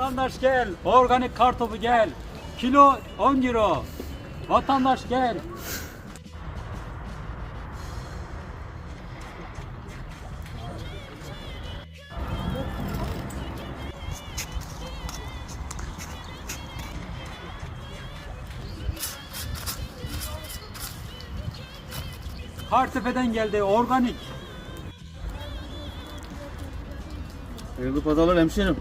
Vatandaş gel. Organik kartopu gel. Kilo 10 euro. Vatandaş gel. Kartepe'den geldi organik. Hayırlı pazarlar hemşerim.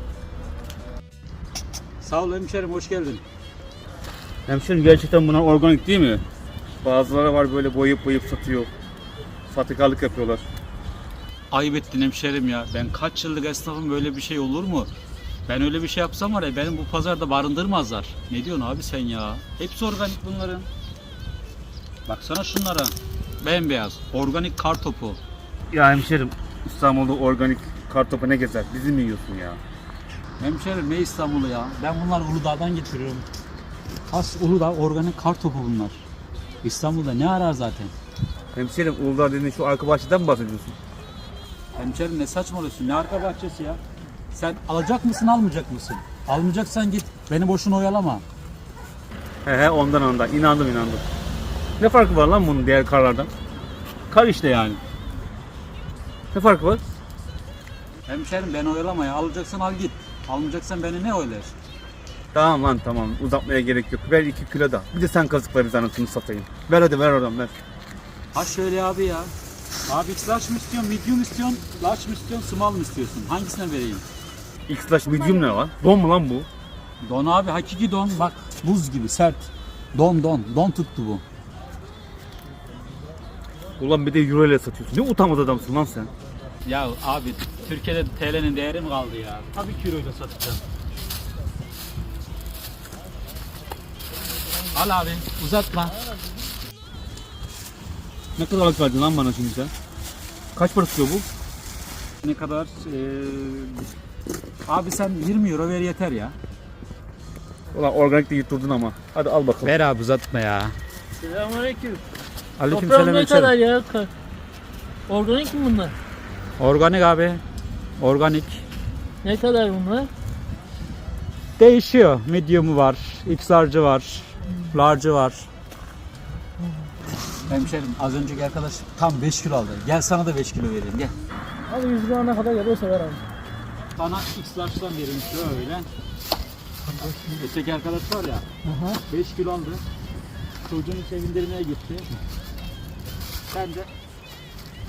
Sağ ol hemşerim, hoş geldin. Hemşerim gerçekten bunlar organik değil mi? Bazıları var böyle boyayıp satıyor. Sahtekarlık yapıyorlar. Ayıp ettin hemşerim ya. Ben kaç yıllık esnafım, böyle bir şey olur mu? Ben öyle bir şey yapsam var ya, benim bu pazarda barındırmazlar. Ne diyorsun abi sen ya? Hepsi organik bunların. Baksana şunlara. Bembeyaz. Organik kartopu. Ya hemşerim İstanbul'da organik kartopu ne gezer? Bizi mi yiyorsun ya? Hemşerim ne İstanbul'u ya? Ben bunları Uludağ'dan getiriyorum. Has Uludağ organik kartopu bunlar. İstanbul'da ne arar zaten? Hemşerim Uludağ dediğin şu arka bahçeden mi bahsediyorsun? Hemşerim ne saçmalıyorsun? Ne arka bahçesi ya? Sen alacak mısın, almayacak mısın? Almayacaksan git. Beni boşuna oyalama. He ondan. İnandım. Ne farkı var lan bunun diğer karlardan? Kar işte yani. Ne farkı var? Hemşerim beni oyalama ya. Alacaksan al git. Almayacaksan beni ne oylar? Tamam uzatmaya gerek yok. Ver 2 kilo da. Bir de sen kazıkla biz anasını satayım. Ver hadi ver oradan ver. Ha şöyle abi ya. Abi large mı istiyorsun, medium istiyorsun, large mı istiyorsun, small mı istiyorsun? Hangisine vereyim? X-Lash medium ne lan? Don mu lan bu? Don abi, hakiki don. Bak buz gibi sert. Don tuttu bu. Ulan bir de euro ile satıyorsun. Ne utanmaz adamsın lan sen. Ya abi Türkiye'de TL'nin değeri mi kaldı ya? Tabii ki euroyla satacağım. Al abi uzatma. Ne kadar verdin lan bana şimdi sen? Kaç para tutuyor bu? Ne kadar? Abi sen 20 euro ver yeter ya. Ulan organik de yutturdun ama. Hadi al bakalım. Ver abi uzatma ya. Selamünaleyküm. Aleykümselam Toprağım ne hemşerim. kadar ya? Organik mi bunlar? Organik abi. Organik. Ne kadar bunlar? Değişiyor. Medium'u var, XL'cı var, large'ı var. Hemşerim az önceki arkadaş tam 5 kilo aldı. Gel sana da 5 kilo vereyim gel. Abi 100 lira ne kadar geliyorsa ver abi. Sana XL'cıdan vereyim şöyle. Öteki arkadaş var ya 5 kilo aldı. Çocuğunu sevindirmeye gitti. Sen de